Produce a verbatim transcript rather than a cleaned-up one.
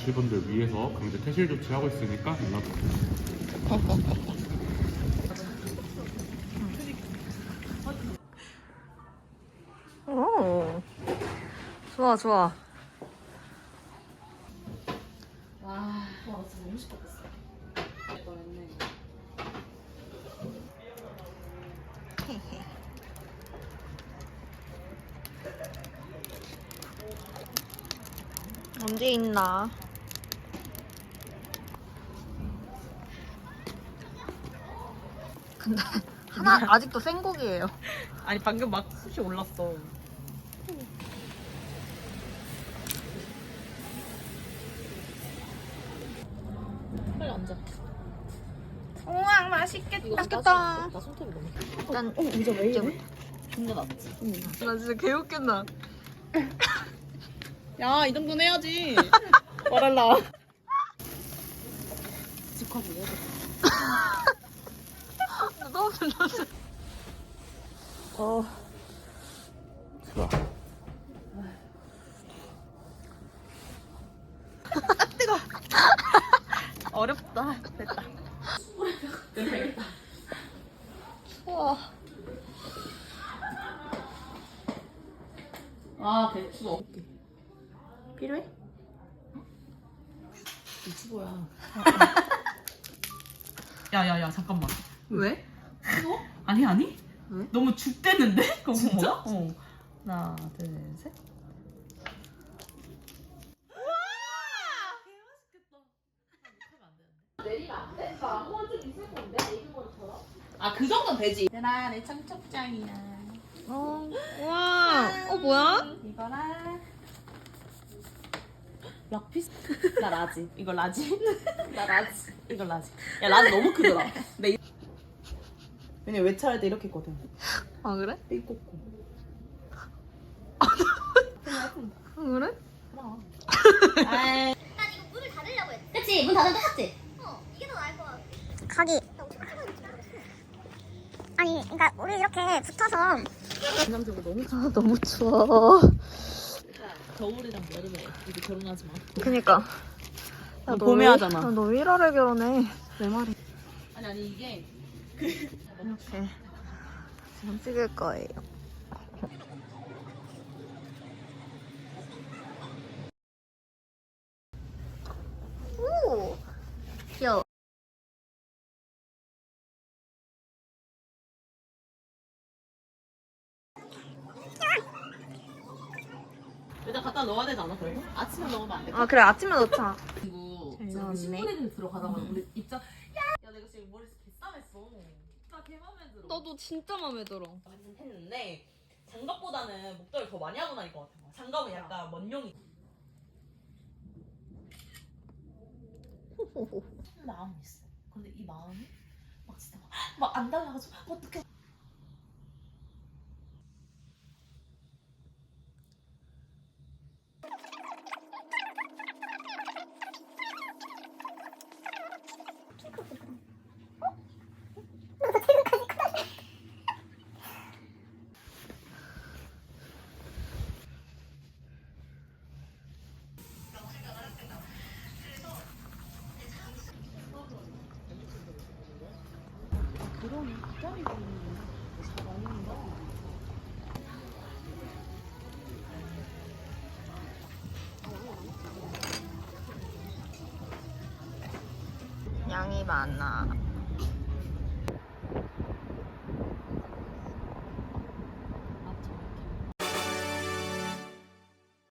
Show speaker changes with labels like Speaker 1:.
Speaker 1: 가실 분들 위해서 강제 퇴실 조치하고 있으니까 연락 주세요.
Speaker 2: 오, 좋아 좋아.
Speaker 3: 와, 와 진짜 너무 시끄럽겠어.
Speaker 2: 언제 있나? 근데 하나 아직도 생고기예요.
Speaker 3: 아니 방금 막 숱이 올랐어. 빨리 앉아.
Speaker 2: 우와 맛있겠다. 맛있겠다.
Speaker 3: 나 손톱이 너무.
Speaker 2: 일단
Speaker 3: 어, 의자 왜
Speaker 2: 이제
Speaker 3: 이래? 존나 낫지. 응.
Speaker 2: 나 진짜 개웃긴다.
Speaker 3: 야, 이 정도는 해야지. 말할라. 직화도 해야 돼.
Speaker 2: 너무 불렀어.
Speaker 3: 어.
Speaker 1: 좋아.
Speaker 3: 뜨거. 어렵다. 됐다.
Speaker 2: 우와.
Speaker 3: 아, 배추. 필요해? 유튜버야. 야야야 잠깐만.
Speaker 2: 왜?
Speaker 3: 이거? 아니 아니.
Speaker 2: 왜?
Speaker 3: 너무 죽대는데? 그거 진짜? 어. 하나 둘 셋. 아, 그 정도는 되지. 얘들아, 내 청첩장이야.
Speaker 2: 어, 우와. 어 뭐야?
Speaker 3: 이거랑 락피스. 나 라지. 이거 라지. 나 라지. 이거 라지. 야, 라지 너무 크더라. 내 왜냐 외차할 때 이렇게 했거든.
Speaker 2: 아 그래?
Speaker 3: 삐꼬꼬.
Speaker 2: 아 그래?
Speaker 3: 그럼. 아이.
Speaker 4: 난 이거 문을 닫으려고 했지. 그치, 문 닫으면 똑같지? 어, 이게 더 나을 것 같아.
Speaker 5: 가기. 아니, 그러니까 우리 이렇게 붙어서
Speaker 3: 인상적으로 너무
Speaker 2: 아 너무 추워.
Speaker 3: 겨울이랑 여름에 이제 결혼하지 마.
Speaker 2: 그니까. 야, 너
Speaker 3: 봄에
Speaker 2: 왜-
Speaker 3: 하잖아.
Speaker 2: 야, 너 왜 일월에 결혼해? 내 말이.
Speaker 3: 아니 아니 이게
Speaker 2: 이렇게 지금 찍을 거예요. 오, 귀여워.
Speaker 3: 일단 갖다 넣어야 되지 않아 그래도? 아침에 넣으면 안 돼?
Speaker 2: 아 그래 아침에 넣자.
Speaker 3: 그리고
Speaker 2: 잘
Speaker 3: 저기
Speaker 2: 나왔네.
Speaker 3: 신부네들 들어가다가 우리 입장 야! 야 내가 지금 머리 개싸맸어. 나 개 맘에 들어.
Speaker 2: 너도 진짜 마음에 들어.
Speaker 3: 했는데 장갑보다는 목도리를 더 많이 하고 다닐 것 같아. 장갑은 약간 먼용이. 마음이 있어. 근데 이 마음이 막 진짜 막 안 달라가지고 어떡해.
Speaker 2: 양이 많아.